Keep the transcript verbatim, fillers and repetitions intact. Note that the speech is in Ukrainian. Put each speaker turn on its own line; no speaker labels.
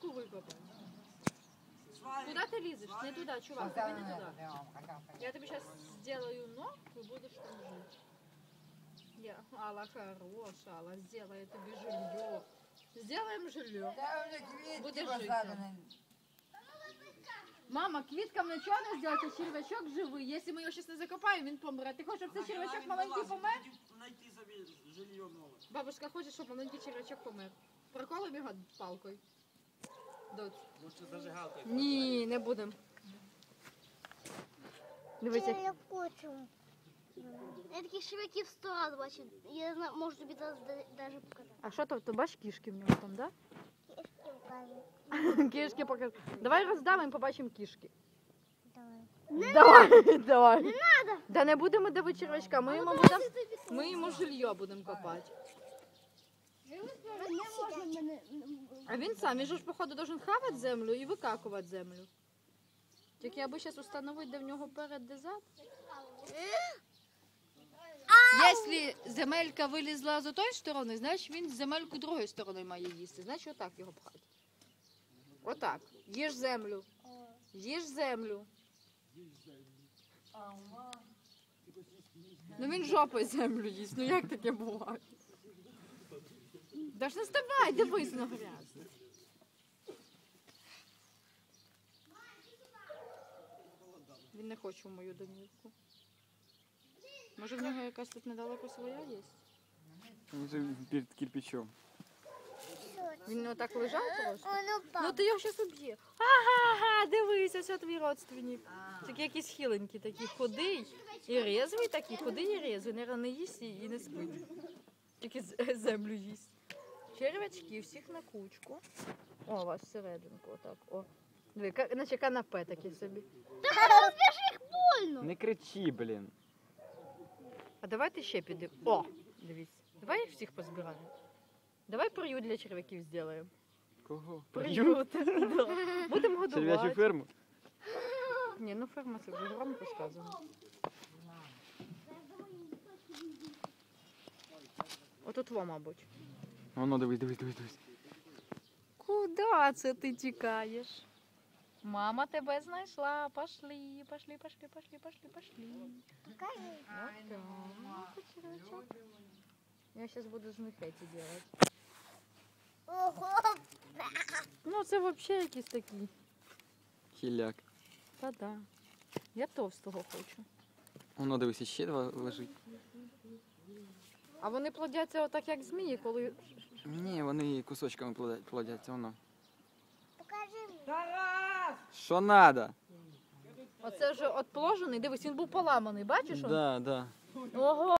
червячку викопати. Куда ты лезешь? Не туда, чувак, тебе не туда. Я тебе сейчас сделаю ногу и будешь там жить. Я, Алла хорошая, Алла, сделай тебе жилье. Сделаем жилье. Будешь жить там. Мама, квіткам нічого не зробити, а червячок живий. Якщо ми його зараз не закопаємо, він помре. Ти хочеш, щоб цей червячок маленький помер?
Найти собі жилье нове.
Бабушка хоче, щоб маленький червячок помер. Проколимо його палкою. Доць.
Лучше зажигалкою.
Ні, не будемо. Дивіться.
Я хочу. Я такі швидкі в сто раз бачу. Я знаю, можу тобі зараз навіть показати.
А що то? Ти бачиш кішки в нього там, да?
Кішки покажу.
Кішки покажи. Давай роздавимо, побачимо кішки.
Давай.
Давай, давай.
Не треба.
Да не будемо давити червячка, ми йому будемо, ми йому жилье будемо копати.
Не можна мене.
А він сам, він же ж, походу, должен хавати землю і викакувати землю. Тільки аби зараз установити, де в нього перед, де зад. Якщо земелька вилізла з тої сторони, значить він земельку другою стороною має їсти. Значить отак його пхати. Отак. Їж землю. Їж землю. Ну він жопою землю їсть. Ну як таке буває? Да ж не ставай, дивись на грязь. Він не хоче в мою домівку. Може в нього якась тут недалеко своя є?
Він же перед кирпичом.
Він отак лежав просто?
Он упав.
Ну ти його зараз уб'є. Ага, дивись, ось твій родственник. Такий якийсь хиленький, такий худий і резвий такий, худий і резвий. Наверно, не їсть і не спить. Тільки з- землю їсть. Червячки всіх на кучку. О, у вас всерединку отак. О. Диви, ка- наче канапе таке собі.
Больно.
Не кричи, блін.
А давайте ще підемо. О, дивіться. Давай їх всіх позбираємо. Давай приют для червяків зробимо.
Кого?
Приют. Да. Будемо
Черв'ячу
годувати.
ферму?
Ні, ну ферма це вже громко сказано. Отут во, мабуть.
Воно, дивись, дивись, дивись, дивись.
Куда це ти тікаєш? Мама тебе знайшла. Пошли, пошли, пошли, пошли, пошли, пошли.
Покажи.
Вот так. Ну, червячок. Я сейчас буду з них эти делать.
Ого.
Ну, це вообще якісь такі.
Хіляк.
Та-да. Я товстого хочу.
Воно, дивись, ще два лежить.
А вони плодяться отак, як змії, коли...
Ні, вони кусочками плодя- плодяться, воно.
Покажи мені.
Що надо?
Оце вже отпложений. Дивись, він був поламаний, бачиш? он?
Да, да.
Ого!